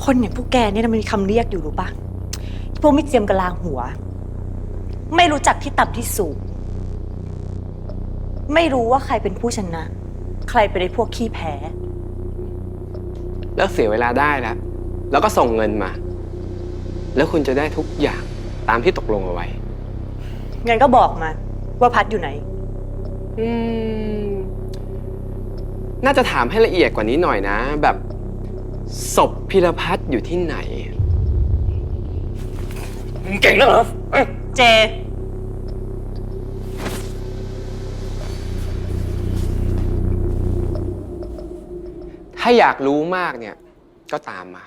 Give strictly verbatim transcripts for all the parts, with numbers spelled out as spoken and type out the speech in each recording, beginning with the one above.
คนอย่างพวกแกเนี่ยมันมีคำเรียกอยู่รู้ปะพวกไม่เจียมกะลาหัวไม่รู้จักที่ต่ำที่สูงไม่รู้ว่าใครเป็นผู้ชนะ ใครเป็นไอ้พวกขี้แพ้แล้วเสียเวลาได้แล้วแล้วก็ส่งเงินมา แล้วคุณจะได้ทุกอย่างตามที่ตกลงเอาไว้งั้นก็บอกมาว่าพัดอยู่ไหนอืมน่าจะถามให้ละเอียดกว่านี้หน่อยนะ แบบศพพิรพัฒน์อยู่ที่ไหนมึงเก่งนะเหรอเจถ้าอยากรู้มากเนี่ยก็ตามมา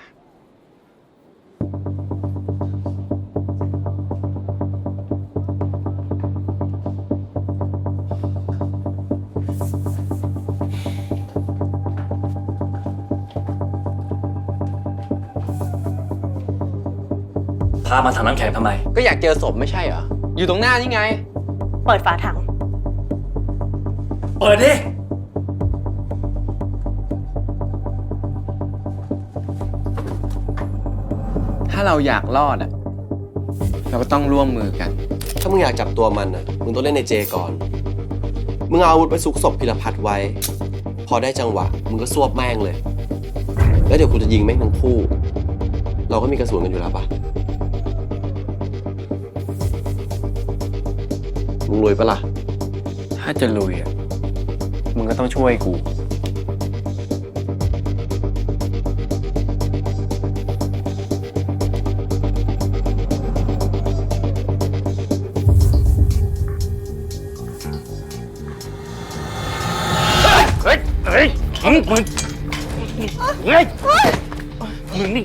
พามาถังน้ำแข็งทำไมก็อยากเจอศพไม่ใช่เหรออยู่ตรงหน้านี่ไงเปิดฝาถังเปิดดิถ้าเราอยากรอดอ่ะเราก็ต้องร่วมมือกันถ้ามึงอยากจับตัวมันอ่ะมึงต้องเล่นในเจก่อนมึงเอาอาวุธไปซุกศพพิรพัฒน์ไว้พอได้จังหวะมึงก็ซวบแม่งเลยแล้วเดี๋ยวกูจะยิงแม่งทั้งคู่เราก็มีกระสุนกันอยู่แล้วปะมึงรวยปะล่ะถ้าจะลุยอ่ะมึงก็ต้องช่วยกูเฮ้ยเฮ้ยมึงมึงเฮ้ยมึงนี่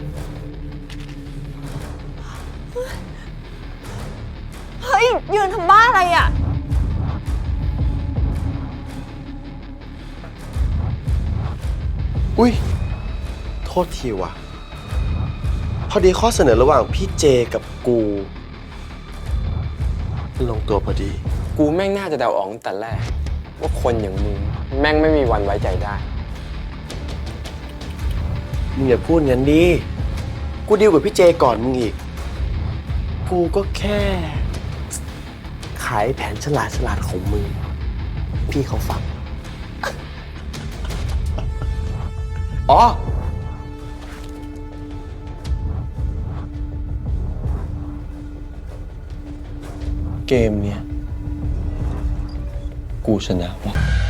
เฮ้ยยืนทำบ้าอะไรอ่ะอุ้ยโทษทีว่ะพอดีข้อเสนอระหว่างพี่เจกับกูลงตัวพอดีกูแม่งน่าจะเดาออกตั้งแต่แรกว่าคนอย่างมึงแม่งไม่มีวันไว้ใจได้มึงอย่าพูดงั้นดิกูดีลกับพี่เจก่อนมึงอีกกูก็แค่ขายแผนฉลาดฉลาดของมึงพี่เขาฟังอ๋อเกมเนี้ยกูชนะว่ะ